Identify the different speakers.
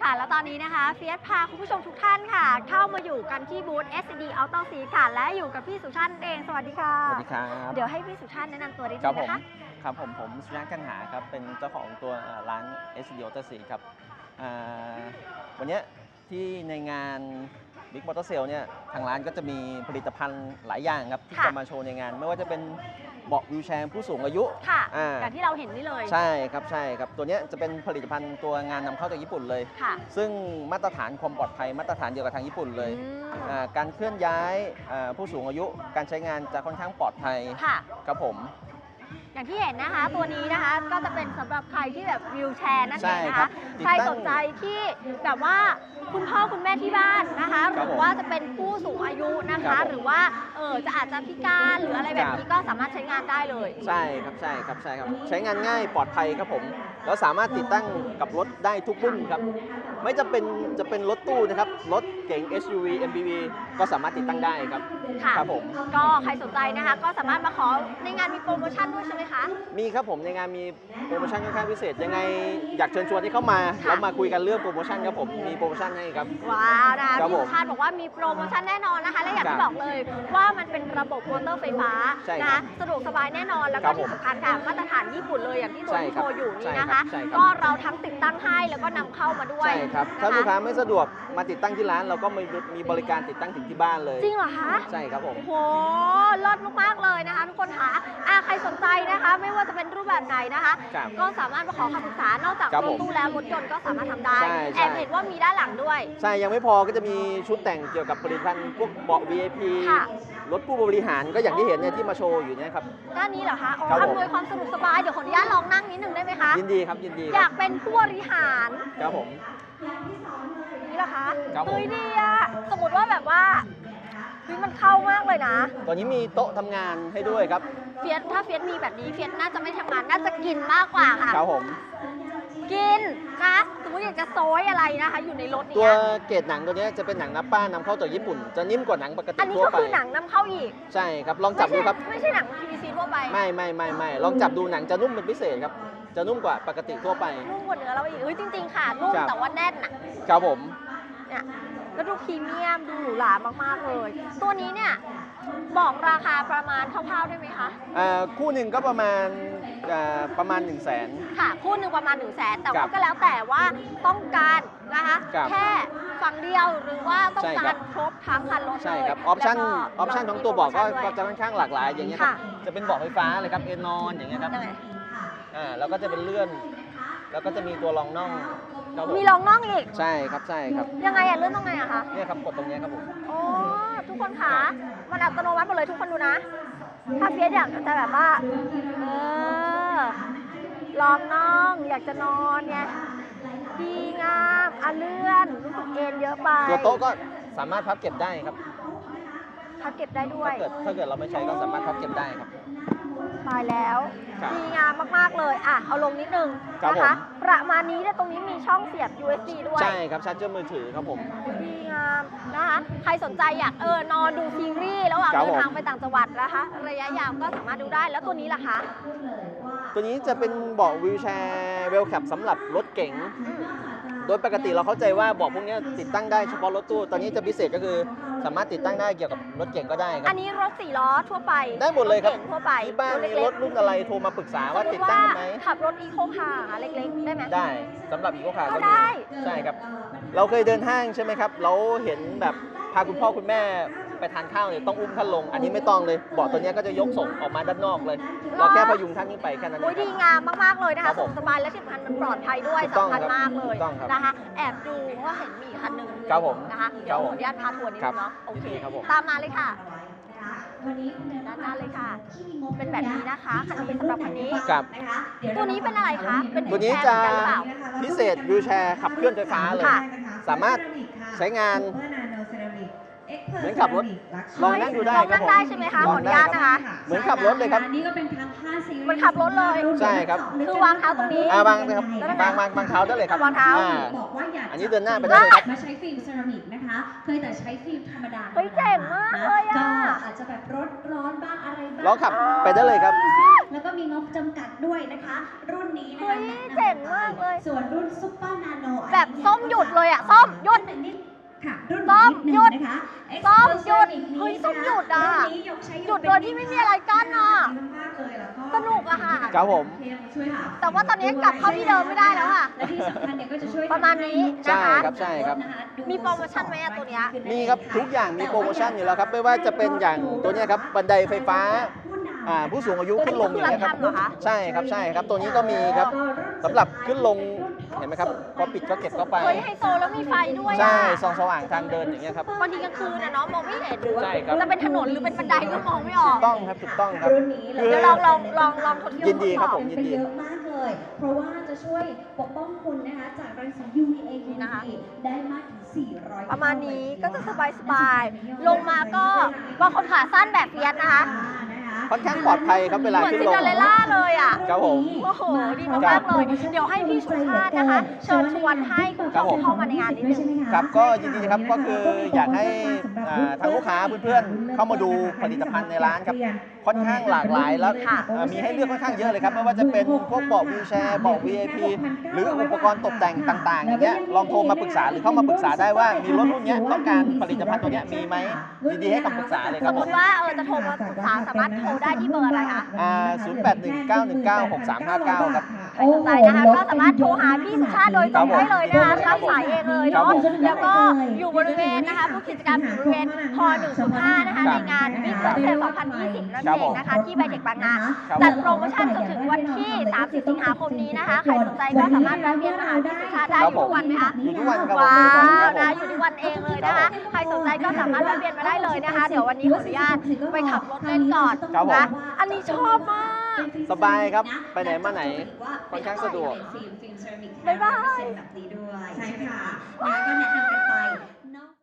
Speaker 1: ค่ะแล้วตอนนี้นะคะเฟียสพาคุณผู้ชมทุกท่านค่ะเข้ามาอยู่กันที่บูธ SCD Auto C ค่ะและอยู่กับพี่สุชาติเองสวัสดีค่ะ
Speaker 2: สวัสดีครับ
Speaker 1: เดี๋ยวให้พี่สุชาติแนะนำตัวนิดนึงนะคะ
Speaker 2: ครับผมสุชาติกันหาครับเป็นเจ้าของตัวร้าน SCD Auto C ครับวันนี้ที่ในงาน Big Motor Sale เนี่ยทางร้านก็จะมีผลิตภัณฑ์หลายอย่างครับที่จะมาโชว์ในงานไม่ว่าจะเป็นเบาะวีลแชร์ผู้สูงอายุ
Speaker 1: ค่ะอย่างที่เราเห็นนี่เลย
Speaker 2: ใช่ครับตัวนี้จะเป็นผลิตภัณฑ์ตัวงานนำเข้าจากญี่ปุ่นเลยซึ่งมาตรฐานความปลอดภัยมาตรฐานเดียวกับทางญี่ปุ่นเลยการเคลื่อนย้ายผู้สูงอายุการใช้งานจะค่อนข้างปลอดภัยครับผม
Speaker 1: อย่างที่เห็นนะคะตัวนี้นะคะก็จะเป็นสำหรับใครที่แบบวีลแชร์นั่นเองนะคะใครสนใจที่แบบว่าคุณพ่อคุณแม่ที่บ้านนะคะหรือว่าจะเป็นผู้สูงอายุนะคะหรือว่าจะอาจจะพิการหรืออะไรแบบนี้ก็สามารถใช้งานได้เลย
Speaker 2: ใช่ครับใช้งานง่ายปลอดภัยครับผมแล้วสามารถติดตั้งกับรถได้ทุกรุ่นครับไม่จะเป็นรถตู้นะครับรถเก๋ง SUV MPV ก็สามารถติดตั้งได้ครับ
Speaker 1: ครับผมก็ใครสนใจนะคะก็สามารถมาขอในงานมีโปรโมชั่นด้วยใช่ไหมคะ
Speaker 2: มีครับผมในงานมีโปรโมชั่นค่อนข้างพิเศษยังไงอยากเชิญชวนให้เข้ามาแล้วมาคุยกันเรื่องโปรโมชั่นครับผมมีโปรโมชั่นให้ครับ
Speaker 1: ว้าวนะคะพี่ชาติบอกว่ามีโปรโมชั่นแน่นอนนะคะและอย่างที่บอกเลยว่ามันเป็นระบบมอเตอร์ไฟฟ้านะคะสะดวกสบายแน่นอนแล้วก็ที่สำคัญค่ะมาตรฐานญี่ปุ่นเลยอย่างที่ตัวที่โชว์อยู่นี่นะคะก็เราทั้งติดตั้งให้แล้วก็นำเข้ามาด้วย
Speaker 2: ใช่ครับถ้าลูกค้าไม่สะดวกมาติดตั้งที่ร้านเราก็มีบริการติดตั้งถึงที่บ้านเลย
Speaker 1: จริงเหรอคะ
Speaker 2: ใช่ครับผม
Speaker 1: โหเลิศมากๆเลยนะคะทุกคนค่ะใครสนใจนะคะไม่ว่าจะเป็นรูปแบบไหนนะคะก็สามารถมาขอคำปรึกษานอกจากรถตู้แล้วรถยนต์ก็สามารถทำได้แอบเห็นว่ามีด้านหลังด้วย
Speaker 2: ใช่ยังไม่พอก็จะมีชุดแต่งเกี่ยวกับผลิตภัณฑ์พวกเบาะ VIP รถผู้บริหารก็อย่างที่เห็นเนี่ยที่มาโชว์อยู่เนี่ยครับ
Speaker 1: ด้านนี้เหรอคะอำนวยความสะดวกสบายเดี๋ยวขออนุญาตลองนั่งนิดนึงได้ไหมคะ
Speaker 2: ยินดีครับยินดี
Speaker 1: อยากเป็นผู้บริหาร
Speaker 2: ครับผม
Speaker 1: นี่เหรอคะเฮ้ยดีอะสมมติว่าแบบว่ามันเข้ามากเลยนะ
Speaker 2: ตอนนี้มีโต๊ะทำงานให้ด้วยครับ
Speaker 1: ถ้าเฟียสมีแบบนี้เฟียสน่าจะไม่ทำงานน่าจะกินมากกว่าค่ะ
Speaker 2: ครับผม
Speaker 1: กินนะสมมติอยากจะโซยอะไรนะคะอยู่ในรถนี้
Speaker 2: ตัวเกรดหนังตัวนี้จะเป็นหนังนับป้านำเข้าจากญี่ปุ่นจะนิ่มกว่าหนังปกติทั่วไปอันนี้ก็
Speaker 1: คือหนังนำเข้าอีก
Speaker 2: ใช่ครับลองจับดูครับ
Speaker 1: ไม่ใช่หนัง PVC ทั่วไป
Speaker 2: ไม่ลองจับดูหนังจะนุ่มเป็นพิเศษครับจะนุ่มกว่าปกติทั่วไป
Speaker 1: นุ่มกว่าเนื้อเราอีกจริงๆค่ะนุ่มแต่ว่าแน่นอ่ะ
Speaker 2: ครับผม
Speaker 1: เนี่ยแล้วดูพรีเมียมดูหรูหรามากๆเลยตัวนี้เนี่ยบอกราคาประมาณคร่าวๆได้ไหมคะ
Speaker 2: คู่หนึ่งก็ประมาณ100,000
Speaker 1: ค่ะคู่หนึ่งประมาณ100,000แต่ว่าก็แล้วแต่ว่าต้องการนะคะแค่ฝั่งเดียวหรือว่าต้องการครบทั้งคันรถเลย
Speaker 2: ใช่ครับออปชั่นของตัวเบาะก็จะค่อนข้างหลากหลายอย่างเงี้ยครับจะเป็นเบาะไฟฟ้าเลยครับเอนอนอย่างเงี้ยครับแล้วก็จะเป็นเลื่อนแล้วก็จะมีตัวรองน่อง
Speaker 1: มีรองน่องอีก
Speaker 2: ใช่ครับ
Speaker 1: ยังไงเลื่อนตรงไหนอะคะ
Speaker 2: เนี่ยครับกดตรงนี้ครับผม
Speaker 1: โอ้ทุกคนคะมันอัตโนมัติหมดเลยทุกคนดูนะถ้าเฟียสอยากจะแบบว่ารองน่องอยากจะนอนไงดีงามเลื่อนรู้สึกเอ็นเยอะไป
Speaker 2: ตัวโต๊ะก็สามารถพับเก็บได้ครับ
Speaker 1: พับเก็บได้ด้วย
Speaker 2: ถ้าเกิดเราไม่ใช้ก็สามารถพับเก็บได้ครับ
Speaker 1: ตายแล้วดีงามมากๆเลยเอาลงนิดนึงนะคะประมาณนี้ตรงนี้มีช่องเสียบ USB ด้วย
Speaker 2: ใช่ครับชาร์จเจอร์มือถือครับผม
Speaker 1: ดีงามนะคะใครสนใจอยากนอนดูซีรีส์ระหว่างเดินทางไปต่างจังหวัดนะคะระยะยาวก็สามารถดูได้แล้วตัวนี้ล่ะคะ
Speaker 2: ตัวนี้จะเป็นเบาะวีลแชร์เวลแคปสำหรับรถเก๋งโดยปกติเราเข้าใจว่าเบาะพวกนี้ติดตั้งได้เฉพาะรถตู้ตอนนี้จะพิเศษก็คือสามารถติดตั้งได้เกี่ยวกับรถเก๋งก็ได้ครับ
Speaker 1: อันนี้รถ4 ล้อทั่วไป
Speaker 2: ได้หมดเลยครับ
Speaker 1: ทั่วไป
Speaker 2: ที่บ้านมีรถรุ่นอะไรโทรมาปรึกษาว่าติดตั้งไหม
Speaker 1: ขับรถอีโคคาร์เล็กๆได้ไหม
Speaker 2: ได้สำหรับอีโคคาร์
Speaker 1: ก็ได้
Speaker 2: ใช่ครับเราเคยเดินห้างใช่ไหมครับเราเห็นแบบพาคุณพ่อคุณแม่ไปทานข้าวเนี่ยต้องอุ้มท่านลงอันนี้ไม่ต้องเลยเบาะตัวนี้ก็จะยกส่งออกมาด้านนอกเลยเราแค่พยุงท่านขึ้นไปแค่นั้นเอง
Speaker 1: ดีงามมากๆเลยนะคะสบายและที่สำคัญมันปลอดภัยด้วยสำคัญมากเลยนะคะแอบดูว่าเห็นมีคันหนึ่งนะคะเดี๋ยวขออนุญาตพาทัวร์นิดนึงเนาะโอเคตามมาเลยค่ะด้านหน้าเลยค่ะเป็นแบบนี้นะคะคันนี้สำหรับคันนี้ตัวนี้เป็นอะไรคะเป็น
Speaker 2: ตัวนี้จะพิเศษวีลแชร์ขับเคลื่อนไฟฟ้าเลยสามารถใช้งานเหมือนขับรถลองนั่งดูได้ครับผม
Speaker 1: ได้ใช่ไหมคะขออนุญาตนะคะ
Speaker 2: เหมือนขับรถเลยครับ
Speaker 3: นี่ก็เป็นทาง5 ซีรีส์
Speaker 1: มันขับรถเลย
Speaker 2: ใช่ครับ
Speaker 1: คือวางเท้าตรงนี้
Speaker 2: วางเลยครับวางเท้าได้เลยครับ
Speaker 1: วางเท้า
Speaker 3: บอกว่าอยาก
Speaker 2: อันนี้เดินหน้าไปได้เลยครับ
Speaker 3: มาใช้ฟิล์มเซรามิกนะคะเคยแต่ใช้ฟิล์มธรรมดา
Speaker 1: เจ๋งมากเลย
Speaker 3: ก็อาจจะแบบร้อนบ้างอะไรบ้าง
Speaker 2: ลองขับไปได้เลยครับ
Speaker 3: แล้วก็มีงบจำกัดด้วยนะคะรุ่นนี้นะ
Speaker 1: คะเจ๋งมากเลย
Speaker 3: ส่วนรุ่นซุปเปอร์นาโน
Speaker 1: แบแบบส้มหยุดเลยอ่ะส้มหยุด
Speaker 3: ค่ะรุ่น
Speaker 1: ส้ม
Speaker 3: นิ
Speaker 1: หยุด
Speaker 3: นะคะ
Speaker 1: ส้มหยุด
Speaker 3: Explosive
Speaker 1: เฮ้ยส้มหยุดอ่ะ
Speaker 3: รุ่นนี้ยกใช้
Speaker 1: หยุดโดยที่ไม่มีอะไรกั้นอ่ะ
Speaker 3: มากๆเลยแล้วก็
Speaker 1: สนุกอะค่ะ
Speaker 2: ครับผม
Speaker 3: ช่วยหา
Speaker 1: แต่ว่าตอนนี้กลับเข้าที่เดิมไม่ได้แล้วอะ
Speaker 3: และที่สำคัญเนี่ยก็จะช่วย
Speaker 1: ประมาณนี้นะคะ
Speaker 2: ใช่ครับ
Speaker 1: มีโปรโมชั่นไหมอะตัวเนี้ย
Speaker 2: มีครับทุกอย่างมีโปรโมชั่นอยู่แล้วครับไม่ว่าจะเป็นอย่างตัวเนี้ยครับบันไดไฟฟ้าผู้สูงอายุขึ้นลงอย่างเงี้ยครับ
Speaker 1: ตัวนี้คือราคาเหรอคะ
Speaker 2: ใช่ครับตัวนี้ก็มีครับสำหรับขึ้นลงเห็นไหมครับพอปิดก็เก็บเข้าไป
Speaker 1: เฮ้ยไฮโซแล้วมีไฟด้วย
Speaker 2: ใช่
Speaker 1: อะ
Speaker 2: ส่องสว่างทางเดินอย่างเงี้ยครับ
Speaker 1: บางทีกลางคืนนะเนาะมองไม่เห็น
Speaker 2: ใช่ครับ
Speaker 1: จะเป็นถนนหรือเป็นบันไดก็มองไม่ออก
Speaker 2: ถูกต้องครับถูกต้องครับ
Speaker 3: รุ่นนี้เล
Speaker 2: คื
Speaker 3: ย
Speaker 2: อ
Speaker 1: เดี๋ยวลองทดลอง
Speaker 2: ยินดีครับ
Speaker 1: ท
Speaker 2: ผ
Speaker 1: ด
Speaker 2: ม
Speaker 1: สอบ
Speaker 2: ยินดี
Speaker 3: เยอะมากเลย เพราะว่าจะช่วยปกป้องคุณนะคะจากรังสี UVA
Speaker 1: นะคะ
Speaker 3: ได้มากถึง400
Speaker 1: ประมาณนี้ก็จะสบายๆลงมาก็บางคนขาสั้นแบบเฟียสนะคะ
Speaker 2: ค่อนข้างปลอดภัยครับเวลา
Speaker 1: เหมือน
Speaker 2: ขึ้น
Speaker 1: ซิน
Speaker 2: ลง
Speaker 1: เดอเรลล่าเลยอ่ะ
Speaker 2: ครับผม
Speaker 1: โอ้โห ดีมากๆเลย เดี๋ยวให้พี่สุชาตินะคะ เชิญชวนให้คุณผู้ชมที่เข้ามาในงานนิดนึง
Speaker 2: ครับก็ยินดีครับก็คืออยากให้ทางลูกค้าเพื่อนๆเข้ามาดูผลิตภัณฑ์ในร้านครับค่อนข้างหลากหลายแล้ว
Speaker 1: ค่ะ
Speaker 2: มีให้เลือกค่อนข้างเยอะเลยครับไม่ว่าจะเป็นพวกเบาะวีลแชร์เบาะ VIP หรืออุปกรณ์ตกแต่งต่างๆอย่างเงี้ยลองโทรมาปรึกษาหรือเข้ามาปรึกษาได้ว่ามีรถรุ่นเนี้ยต้องการผลิตภัณฑ์ตัวเนี้ยมีไหมยินดีให้คำปรึกษาเลยค
Speaker 1: ส
Speaker 2: รับ
Speaker 1: ม
Speaker 2: ผม ม
Speaker 1: ติว่าจะโทรมาปรึกษาสามารถโทรได้ที่เบอร์อะไรคะ
Speaker 2: 0819196359 ครับ
Speaker 1: ใครสนใจนะคะก็สามารถโทรหาพี่สุชาติโดยตรงได้เลยนะคะรับสายเองเลย
Speaker 2: ครับ
Speaker 1: เนาะ
Speaker 2: ผม
Speaker 1: แล้วก็อยู่บริเวณนะคะผู้กิจกรรมอยู่บริเวณพ105นะคะในงานบิ๊กเซล2020นั่นเองนะคะที่ไบเทคบางนา
Speaker 2: ครับ
Speaker 1: จัดโปรโมชั่นจนถึงวันที่30สิงหาคมนี้นะคะใครสนใจก็สามารถแวะเวียนมาหาพี่สุชาติได้อยู่ทุกวันไหมคะ
Speaker 2: อยู่ทุกวันครับผม
Speaker 1: ว้า
Speaker 2: อยู่ทุกวันครับผม
Speaker 1: วนะอยู่ทุกวันเองเลยนะคะใครสนใจก็สามารถแวะเวียนมาได้เลยนะคะ เดี๋ยววันนี้ขออนุญาตไปขับรถเล่นก่อน
Speaker 2: ครับผม
Speaker 1: นะอันนี้ชอบมาก
Speaker 2: สบายครับไปไหนมาไหนค่อนข้างสะดวก
Speaker 1: บ๊ายบาย
Speaker 3: แบบนี้ด้วยใช่ค่ะ
Speaker 1: ว้า